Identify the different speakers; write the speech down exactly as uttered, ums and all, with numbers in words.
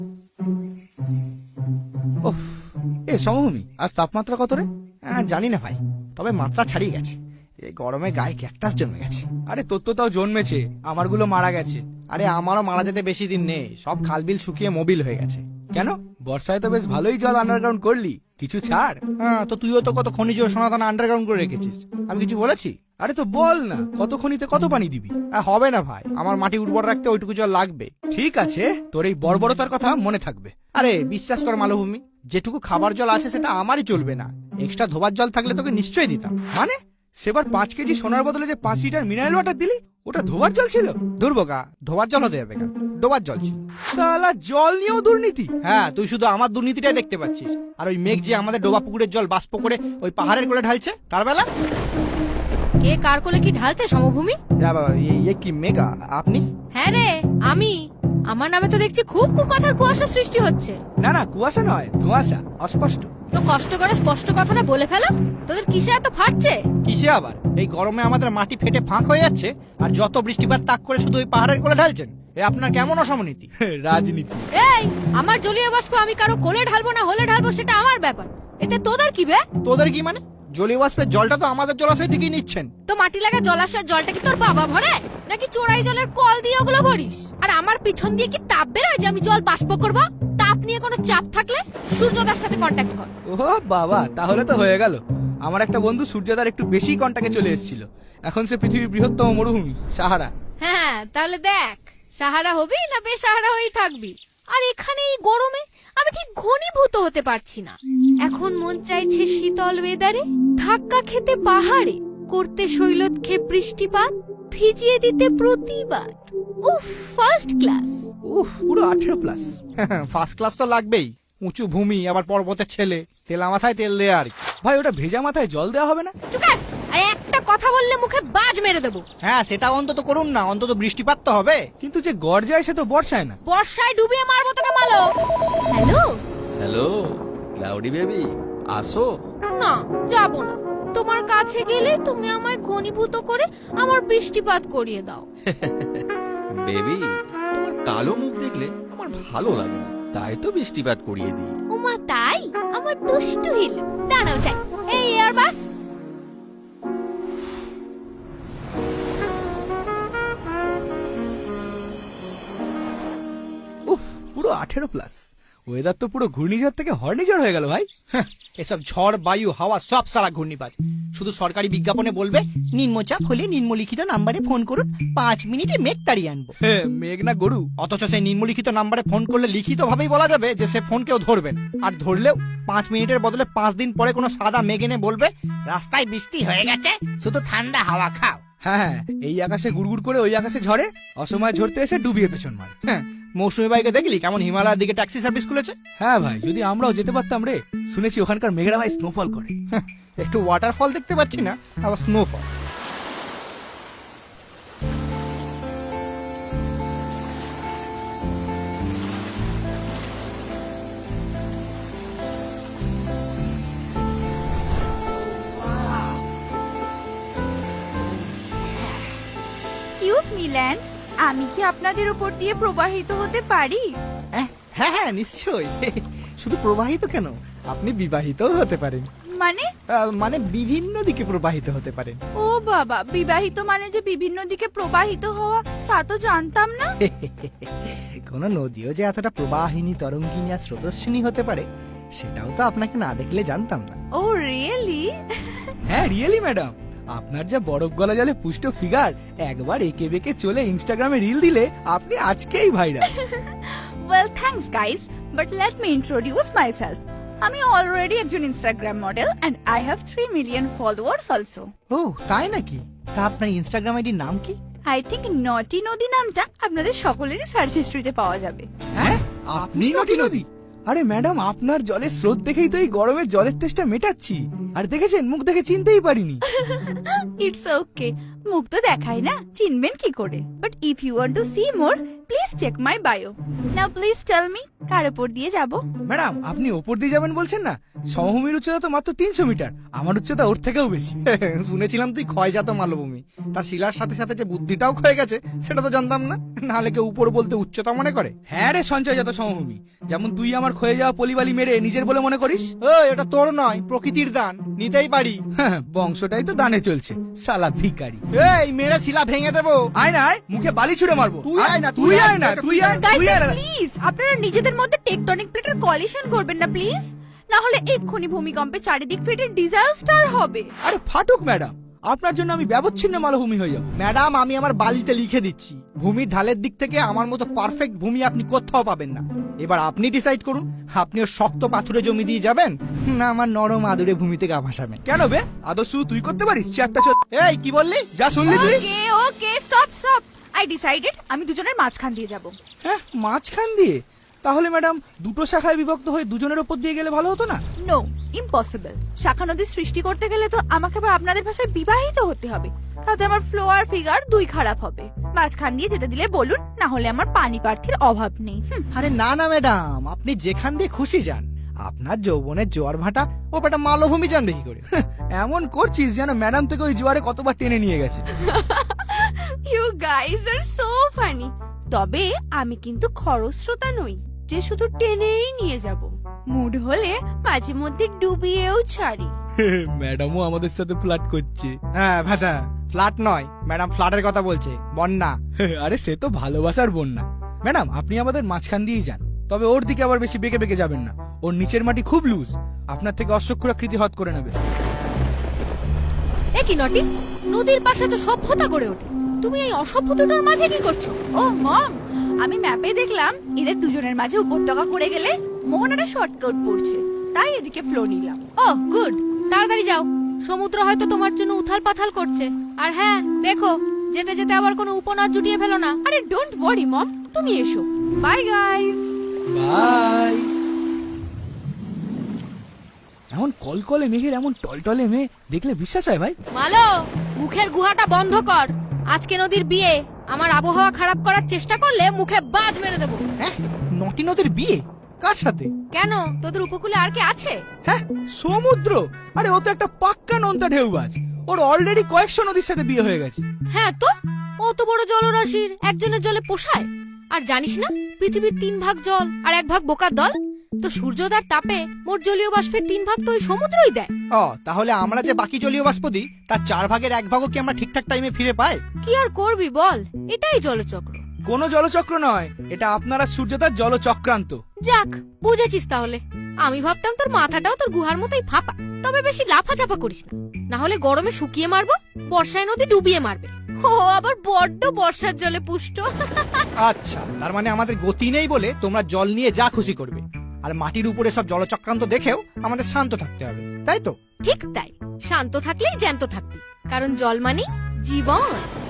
Speaker 1: ওহ, এ সমভূমি, আজ তাপমাত্রা কত রে?
Speaker 2: হ্যাঁ জানি না ভাই, তবে মাত্রা ছাড়িয়ে গেছে। এই গরমে গায়ে ক্যাকটাস জন্মে গেছে।
Speaker 1: আরে তোর তো তাও জন্মেছে, আমারগুলো মারা গেছে।
Speaker 2: আরে আমারও মারা যেতে বেশি দিন নেই, সব খালবিল শুকিয়ে মোবিল হয়ে গেছে।
Speaker 1: কেন, বর্ষায় তো বেশ ভালোই জল আন্ডারগ্রাউন্ড করলি, কিছু ছাড়।
Speaker 2: হ্যাঁ, তো তুইও তো কত খনিজ সোনাদানা আন্ডারগ্রাউন্ড করে রেখেছিস, আমি কিছু বলেছি?
Speaker 1: আরে তো বল না, কত খনিতে কত পানি দিবি?
Speaker 2: আহ, হবে না ভাই, আমার মাটি উর্বর রাখতে ওইটুকু জল লাগবে।
Speaker 1: ঠিক আছে, তোর এই বর্বরতার কথা মনে থাকবে।
Speaker 2: আরে বিশ্বাস কর মালভূমি, যেটুকু খাবার জল আছে সেটা আমারই চলবে না, এক্সট্রা ধোবার জল থাকলে তোকে নিশ্চয়ই দিতাম।
Speaker 1: মানে সেবার পাঁচ কেজি সোনার বদলে যে পাঁচ লিটার মিনারেল ওয়াটার দিলি, ওটা ধোবার জল ছিল?
Speaker 2: দুর্বোকা, ধোবার জল হতে যাবে কেন, ডোবার জল ছিল।
Speaker 1: শালা জল নিয়েও দুর্নীতি?
Speaker 2: হ্যাঁ, তুই শুধু আমার দুর্নীতিটাই দেখতে পাচ্ছিস, আর ওই মেঘ যে আমাদের ডোবা পুকুরের জল বাষ্প করে ওই পাহাড়ের কোলে ঢালছে, তার বেলা
Speaker 3: কে কার কোলে কি ঢালছে সমভূমি?
Speaker 2: ইয়ে কি মেঘা, আপনি?
Speaker 3: হ্যাঁ রে, আমি। আমার নামে তো দেখছি খুব কুকথার কুয়াশা সৃষ্টি হচ্ছে।
Speaker 1: না না, কুয়াশা নয়, ধোঁয়াশা, অস্পষ্ট।
Speaker 3: তো কষ্ট করে স্পষ্ট কথাটা বলে ফেলো, তোদের কিসে এত ফাটছে?
Speaker 2: কিসে আবার? এই গরমে আমাদের মাটি ফেটে ফাঁক হয়ে যাচ্ছে, আর যত বৃষ্টিপাত তাক করে শুধু ওই পাহাড়ের কোলে ঢালছেন। এ আপনার কেমন অসমনীতি?
Speaker 1: রাজনীতি।
Speaker 3: এই, আমার জলীয় বাষ্প আমি কারো কোলে ঢালবো না হলে ঢালবো সেটা আমার ব্যাপার, এতে তোদের কি বে?
Speaker 2: তোদের কি মানে? জলীয় বাষ্পের জলটা তো আমাদের জলাশয় দিকেই নিচ্ছেন।
Speaker 3: তো মাটি লাগা জলাশয়ের জলটা কি তোর বাবা ভরে, নাকি চোরাই জলের কল দিয়ে ওগুলো ভরিস? আর আমার পিছন দিয়ে কি তাপ বেরোয় যে আমি জল বাষ্প করবো? তাপ নিয়ে কোনো চাপ থাকলে সূর্যদার সাথে কন্ট্যাক্ট কর।
Speaker 1: ও বাবা, তাহলে তো হয়ে গেল। আমার একটা বন্ধু সূর্যদার একটু বেশি কন্টাক্টে চলে এসেছিল, এখন সে পৃথিবীর বৃহত্তম মরুভূমি সাহারা।
Speaker 3: হ্যাঁ, তাহলে দেখ, সাহারা হবি না বেসাহারা হয়েই থাকবি। আর এখানে এই গরমে আমি ঠিক ঘনীভূত হতে পারছি না। এখন মন চাইছে শীতল ওয়েদারে ধাক্কা খেতে পাহাড়ে, করতে শৈলক্ষেপ বৃষ্টিপাত, ভিজিয়ে দিতে প্রতিবাদ। উফ, ফার্স্ট ক্লাস।
Speaker 2: উফ, পুরো আঠেরো প্লাস। ফার্স্ট ক্লাস তো লাগবেই, উঁচু ভূমি, আবার পর্বতের ছেলে, তেলা মাথায় তেল দেয়া আর কি।
Speaker 1: ভাই, ওটা ভেজা মাথায় জল দেওয়া হবে না?
Speaker 3: চুকার, আর একটা কথা বললে মুখে বাজ মেরে দেবো।
Speaker 2: হ্যাঁ, সেটা অন্তত করুন না, অন্তত বৃষ্টিপাত তো হবে।
Speaker 1: কিন্তু যে গড় যায় সে তো বর্ষায় না।
Speaker 3: বর্ষায় ডুবিয়ে মারবো তোকে মালো। হ্যালো
Speaker 4: হ্যালো ক্লাউডি বেবি, আসো।
Speaker 3: না, যাবো না। তোমার কাছে গেলে তুমি আমায় ঘনীভূত করে আমার বৃষ্টিপাত করিয়ে দাও।
Speaker 4: বেবি, তোমার কালো মুখ দেখলে আমার ভালো লাগে না, তাই তো বৃষ্টিপাত করিয়ে দিই।
Speaker 3: ওমা তাই? আমার দুষ্টু হিল, দাঁড়াও যাই। এই এয়ার বাস।
Speaker 1: উফ, পুরো আঠেরো প্লাস। ওয়েদার তো পুরো ঘূর্ণিঝড় থেকে হর্নিঝড় হয়ে গেল ভাই।
Speaker 2: হ্যাঁ, এসব ঝড়, বায়ু, হাওয়া সব সারা ঘূর্ণিপাত। শুধু সরকারি বিজ্ঞাপনে বলবে নিম্নচাপ হলে নিম্নলিখিত নাম্বারে ফোন করুন, পাঁচ মিনিটে মেঘ তাড়িয়ে আনবো।
Speaker 1: হ্যাঁ, মেঘ না গরু।
Speaker 2: অথচ সেই নিম্নলিখিত নাম্বারে ফোন করলে লিখিত ভাবেই বলা যাবে যে সে ফোন কেউ ধরবেন, আর ধরলেও পাঁচ মিনিটের বদলে পাঁচ দিন পরে কোনো সাদা মেঘ এনে বলবে রাস্তায় বৃষ্টি হয়ে গেছে, শুধু ঠান্ডা হাওয়া খাও।
Speaker 1: হ্যাঁ, এই আকাশে গুড়গুড় করে ওই আকাশে ঝরে, অসময় ঝরতে এসে ডুবিয়ে পেছন মারে।
Speaker 2: হ্যাঁ, মৌসুমী বাইকে দেখলি কেমন হিমালয়ের দিকে ট্যাক্সি সার্ভিস খুলেছে?
Speaker 1: হ্যাঁ ভাই, যদি আমরাও যেতে পারতাম রে। শুনেছি ওখানকার মেঘরা ভাই স্নোফল করে।
Speaker 2: হ্যাঁ, একটু ওয়াটারফল দেখতে পাচ্ছি না, আবার স্নোফল।
Speaker 5: এক্সকিউজ মি ল্যান্স, আমি কি আপনাদের উপর দিয়ে প্রবাহিত হতে পারি?
Speaker 2: হ্যাঁ হ্যাঁ, নিশ্চয়ই। শুধু প্রবাহিত কেন, আপনি বিবাহিতও হতে পারেন।
Speaker 5: মানে?
Speaker 2: আহ, মানে বিভিন্ন দিকে প্রবাহিত হতে পারেন।
Speaker 5: ও বাবা, বিবাহিত মানে যে বিভিন্ন দিকে প্রবাহিত হওয়া, তা তো জানতাম না।
Speaker 2: কোন নদীও যে এতটা প্রবাহিনী, তরঙ্গিনী আর স্রোতস্বিনী হতে পারে, সেটাও তো আপনাকে না দেখলে জানতাম না।
Speaker 5: Oh really?
Speaker 1: হ্যাঁ, রিয়েলি ম্যাডাম, আপনার যা বরফ গলা জলে পুষ্ট ফিগার, একবার একে বেঁকে চলে ইনস্টাগ্রামে রিল দিলে আপনি আজকেই viral.
Speaker 5: Well thanks guys, but let me introduce myself. আমি অলরেডি একজন Instagram model and I have three million followers also.
Speaker 2: ও তাই নাকি? তা আপনার ইনস্টাগ্রাম আইডির নাম কি?
Speaker 5: আই থিঙ্ক নটি নদী নামটা আপনাদের সকলেরই সার্চ হিস্ট্রিতে পাওয়া যাবে।
Speaker 1: হ্যাঁ, আপনি নটি নদী? আরে ম্যাডাম, আপনার জলের স্রোত দেখেই তো এই গরমে জলের তেষ্টা মেটাচ্ছি। আর দেখেছেন, মুখ দেখে চিনতেই পারিনি।
Speaker 5: ইটস ওকে, মুখ তো দেখাই না, চিনবেন কি করে? But if you want to see more, please check my bio. Now please tell me কার উপর দিয়ে যাব?
Speaker 1: ম্যাডাম আপনি ওপর দিয়ে যাবেন বলছেন না, সমভূমির উচ্চতা তো মাত্র তিনশো মিটার, আমার উচ্চতা ওর থেকেও বেশি।
Speaker 2: শুনেছিলাম তুই ক্ষয়জাত মালভূমি, তার শিলার সাথে সাথে যে বুদ্ধিটাও ক্ষয়ে গেছে সেটা তো জানতাম না। নাহলে কেউ উপর বলতে উচ্চতা মনে করে।
Speaker 1: হ্যাঁ রে সঞ্চয়জাত সমভূমি, যেমন তুই আমার ক্ষয়ে যাওয়া পলিবালি মেরে নিজের বলে মনে করিস।
Speaker 2: ওই এটা তোর নয়, প্রকৃতির দান, নিতেই পারি।
Speaker 1: হ্যাঁ, বংশটাই তো দানে চলছে, সালা ভিখারি।
Speaker 2: এই মেরে শিলা ভেঙে দেবো।
Speaker 1: আয় না আয়, মুখে বালি ছুড়ে মারবো।
Speaker 2: তুই আয় না,
Speaker 1: তুই আয় না, তুই আয়, তুই আয় না।
Speaker 5: প্লিজ আপনারা নিজেদের মধ্যে টেকটনিক প্লেটের কলিশন করবেন না প্লিজ, না হলে এক্ষুনি ভূমিকম্পে চারিদিক ফেটে ডিজাস্টার হবে।
Speaker 1: আরে ফাটুক ম্যাডাম, আপনার জন্য আমি ব্যবচ্ছিন্ন মালভূমি হয়ে যাবো।
Speaker 2: ম্যাডাম আমি আমার বালিতে লিখে দিচ্ছি, ভূমির ঢালের দিক থেকে আমার মতো পারফেক্ট ভূমি আপনি কোথাও পাবেন না। এবার আপনি ডিসাইড করুন, আপনিও শক্ত পাথুরে জমি দিয়ে যাবেন, না আমার নরম আদুরে ভূমিতে গা ভাসাবেন।
Speaker 1: কেন বে, আদর্শ তুই করতে পারিস চারটা চোদ?
Speaker 2: এই কি বললি?
Speaker 1: যা শুনলি তুই?
Speaker 5: Okay okay stop stop, I decided আমি দুজনের মাঝখান দিয়ে যাব।
Speaker 1: হ্যাঁ, মাঝখান দিয়ে? তাহলে ম্যাডাম দুটো শাখায় বিভক্ত হয়ে দুজনের ওপর দিয়ে গেলে ভালো হতো না?
Speaker 5: No, impossible. শাখা নদী সৃষ্টি করতে গেলে তো আমাকে আবার আপনাদের ভাষায় বিবাহিত হতে হবে, তাতে আমার ফ্লো আর ফিগার দুই খারাপ হবে। মাঝখান দিয়ে যেতে দিলে বলুন, না হলে আমার পানি প্রার্থীর অভাব নেই। হুম,
Speaker 2: আরে না না ম্যাডাম, আপনি যেখান দিয়ে খুশি যান, আপনার যৌবনের জোয়ার ভাটা ও বেটা মালভূমি জানবে কি করে?
Speaker 1: এমন করছিস যেন ম্যাডাম থেকে ওই জোয়ারে কতবার টেনে নিয়ে গেছে।
Speaker 5: You guys are so funny. তবে আমি কিন্তু খরস্রোতা নই যে শুধু টেনেই নিয়ে যাব, মুড হলে মাঝে মধ্যে ডুবিয়েও ছাড়ি।
Speaker 1: ম্যাডামও আমাদের সাথে ফ্লার্ট করছে।
Speaker 2: হ্যাঁ ভাটা, ফ্ল্যাট নয় ম্যাডাম, ফ্ল্যাটের কথা বলছে, বন্যা।
Speaker 1: আরে সে তো ভালোবাসার বন্যা। ম্যাডাম আপনি আমাদের মাঝখান দিয়েই যান, তবে ওর দিকে আবার বেশি বেঁকে বেঁকে যাবেন না, ওর নিচের মাটি খুব লুজ, আপনার থেকে অশ্বক্ষুরাকৃতি হত করে নেবে।
Speaker 3: এ কি নটি, নদীর পাশে তো সভ্যতা গড়ে ওঠে, তুমি এই অসভ্যতাটার মাঝে কি করছো?
Speaker 5: ও মম, আমি ম্যাপে দেখলাম এদের দুজনের মাঝে উপত্যকা করে গেলে মোহনাটা শর্টকাট পড়ছে, তাই এদিকে ফ্লো নিলাম।
Speaker 3: ওহ গুড, তাড়াতাড়ি যাও, সমুদ্র হয়তো তোমার জন্য উথাল পাথাল করছে। আর হ্যাঁ দেখো, যেতে যেতে আবার কোনো উপনাদ জুটিয়ে ফেলো না।
Speaker 5: আরে ডোন্ট ওয়ারি মম, তুমি এসো। Bye guys.
Speaker 1: বাই। এমন কলকলে মেঘের এমন টলটলে মেয়ে দেখলে বিশ্বাস হয় ভাই?
Speaker 3: মালো, মুখের গুহাটা বন্ধ কর। আজকে নদীর বিয়ে, আমার আবহাওয়া খারাপ করার চেষ্টা করলে মুখে বাজ মেরে দেবো।
Speaker 2: হ্যাঁ, নটি নদীর বিয়ে কার সাথে?
Speaker 3: কেন, তোদের উপকূলে আর কে আছে?
Speaker 1: হ্যাঁ, সমুদ্র? আরে ও তো একটা পাক্কা নোনতা ঢেউবাজ, ওর অলরেডি কয়েকশো নদীর সাথে বিয়ে হয়ে গেছে।
Speaker 3: হ্যাঁ তো, অত বড় জলরাশির একজনের জলে পোষায়? আর জানিস না, পৃথিবীর তিন ভাগ জল আর এক ভাগ বোকার দল, তো সূর্যোদয়ের তাপে মোট জলীয় বাষ্পের তিন ভাগ তো ওই সমুদ্রই দেয়।
Speaker 2: ও, তাহলে আমরা যে বাকি জলীয় বাষ্প দিই তার চার ভাগের এক ভাগও কি আমরা ঠিকঠাক টাইমে ফিরে পাই?
Speaker 3: কি আর করবি বল, এটাই জলচক্র।
Speaker 1: কোনো জলচক্র নয়, এটা আপনারা সূর্যতার জলচক্রান্ত।
Speaker 3: যাক, বুঝেছিস তাহলে। আমি ভাবতাম তোর মাথাটাও তোর গুহার মতোই ফাঁপা। তবে বেশি লাফাচাপা করিস না, না হলে গরমে শুকিয়ে মারবো, বর্ষায় নদী ডুবিয়ে মারবে। ও আবার বড্ড বর্ষার জলে পুষ্ট।
Speaker 2: আচ্ছা, তার মানে আমাদের গতি নেই বলে তোমরা জল নিয়ে যা খুশি করবে, আর মাটির উপরে সব জলচক্রান্ত দেখেও আমাদের শান্ত থাকতে হবে, তাই তো?
Speaker 3: ঠিক তাই, শান্ত থাকলেই জ্যান্ত থাকবি, কারণ জল মানে জীবন।